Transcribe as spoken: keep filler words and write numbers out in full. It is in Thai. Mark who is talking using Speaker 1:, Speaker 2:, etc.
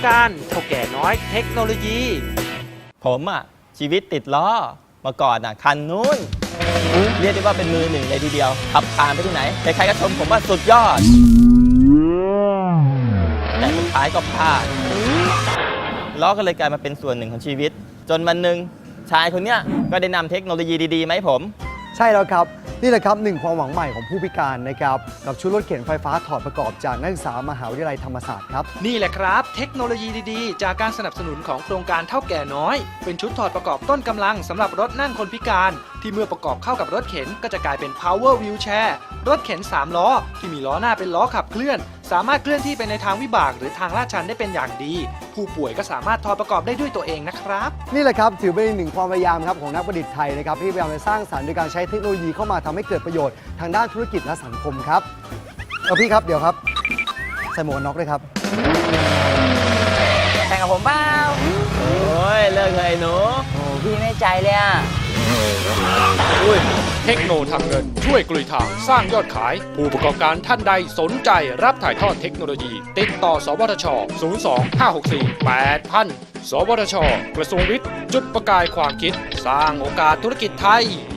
Speaker 1: การเท่าแก่น้อยเทคโนโลยี
Speaker 2: ผมอ่ะชีวิตติดล้อมาก่อนอ่ะคันนู้นเรียกได้ว่าเป็นมือหนึ่งเลยทีเดียวขับผ่านไปที่ไหนใครๆก็ชมผมว่าสุดยอดแต่สุดท้ายก็พลาดล้อก็เลยกลายมาเป็นส่วนหนึ่งของชีวิต จนวันหนึ่งชายคนเนี้ยก็ได้นำเทคโนโลยีดีๆมาให้ผม
Speaker 3: ใช่แล้วครับนี่แหละครับหนึ่งความหวังใหม่ของผู้พิการนะครับกับชุดรถเข็นไฟฟ้าถอดประกอบจากนักศึกษามหาวิทยาลัยธรรมศาสตร์ครับ
Speaker 1: นี่แหละครับเทคโนโลยีดีๆ จากการสนับสนุนของโครงการเท่าแก่น้อย เป็นชุดถอดประกอบต้นกำลังสำหรับรถนั่งคนพิการ ที่เมื่อประกอบเข้ากับรถเข็นก็จะกลายเป็น power wheelchair รถเข็นสามล้อที่มีล้อหน้าเป็นล้อขับเคลื่อนสามารถเคลื่อนที่ไปในทางวิบากหรือทางลาดชันได้เป็นอย่างดี ผู้ป่วยก็สามารถถอดประกอบได้ด้วยตัวเองนะครับ
Speaker 3: นี่แหละครับถือเป็นอีกหนึ่งความพยายามครับของนักประดิษฐ์ไทยนะครับที่พยายามจะสร้างสรรค์โดยการใช้เทคโนโลยีเข้ามาทำให้เกิดประโยชน์ทางด้านธุรกิจและสังคมครับเอาพี่ครับเดี๋ยวครับใส่หมวกกันน็อกด้วยครับ
Speaker 4: แข่งกับผมเปล่า
Speaker 2: โอ้ยเลิกเลยไอ้หนู
Speaker 4: โอ้พี่ไม่ใจเลยอ่ะ
Speaker 5: เทคโนทำเงินช่วยกลุยทางสร้างยอดขาย ผู้ประกอบการท่านใดสนใจรับถ่ายทอดเทคโนโลยี ติดต่อ สวทช ศูนย์ สอง ห้า หก สี่ แปด ศูนย์ ศูนย์ สวทช กระทรวงวิทย์ จุดประกายความคิด สร้างโอกาสธุรกิจไทย